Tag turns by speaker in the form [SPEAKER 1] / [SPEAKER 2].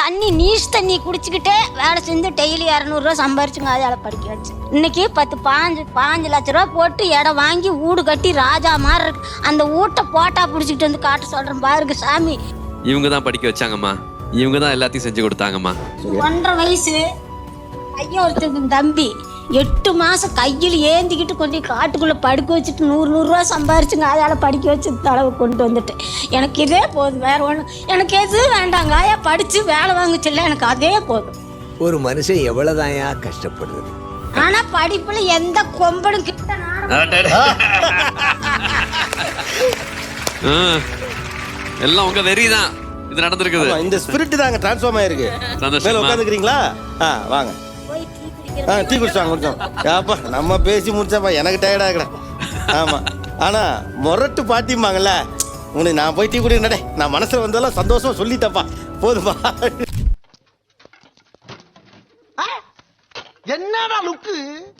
[SPEAKER 1] தண்ணி நீஸ் தண்ணி குடிச்சுக்கிட்டே வேலை செஞ்சு டெய்லி 200 ரூபா சம்பாரிச்சுங்க அதால படிக்க வச்சு. இன்னைக்கு 5 லட்ச ரூபா போட்டு இடம் வாங்கி வீடு கட்டி ராஜா மாதிரி இருக்கு. அந்த வீட்டை போட்டா பிடிச்சிக்கிட்டு வந்து காட்ட சொல்றேன் பாருங்க சாமி.
[SPEAKER 2] இவங்க தான் படிக்க வச்சாங்கம்மா, இவங்க தான் எல்லாத்தையும் செஞ்சு கொடுத்தாங்கம்மா.
[SPEAKER 1] 1.5 வயசு ஐயா ஒருத்தருக்கு தம்பி 8 மாசம் கையில் ஏந்திக்கிட்டு கொண்டு காட்டுக்குள்ள படுக்க வச்சுட்டு 100 ரூபா சம்பாரிச்சுங்க அதால படிக்க வச்சு தளவு கொண்டு வந்துட்டு எனக்கு இதே போதும், வேற ஒன்றும் எனக்கு எதுவும் வேண்டாங்க. ஆயா படிச்சு வேலை வாங்குச்சுல்ல, எனக்கு அதே போதும்.
[SPEAKER 3] ஒரு மனுஷன் எவ்வளவுதாயா கஷ்டப்படுது.
[SPEAKER 1] ஆனா படிப்புல எந்த கொம்பனும் கிட்ட
[SPEAKER 2] எல்லாம் உங்க வெறிதான் இது நடந்திருக்குது.
[SPEAKER 4] இந்த ஸ்பிரிட் தாங்க டிரான்ஸ்ஃபார்ம் ஆயிருக்கு. மேல உட்காந்துக்கிறீங்களா? வாங்க டீ குடிச்சாங்க கொஞ்சம். ஏப்பா நம்ம பேசி முடிச்சாப்பா எனக்கு டயர்டா இருக்கிறேன். ஆமா, ஆனா மொரட்டு பாட்டிம்பாங்கல்ல, உனக்கு நான் போய் டீ குடிக்கிறேன், நான் மனசுல வந்ததெல்லாம் சந்தோஷமா சொல்லிட்டப்பா, போதுப்பா.
[SPEAKER 5] என்னடா லுக்கு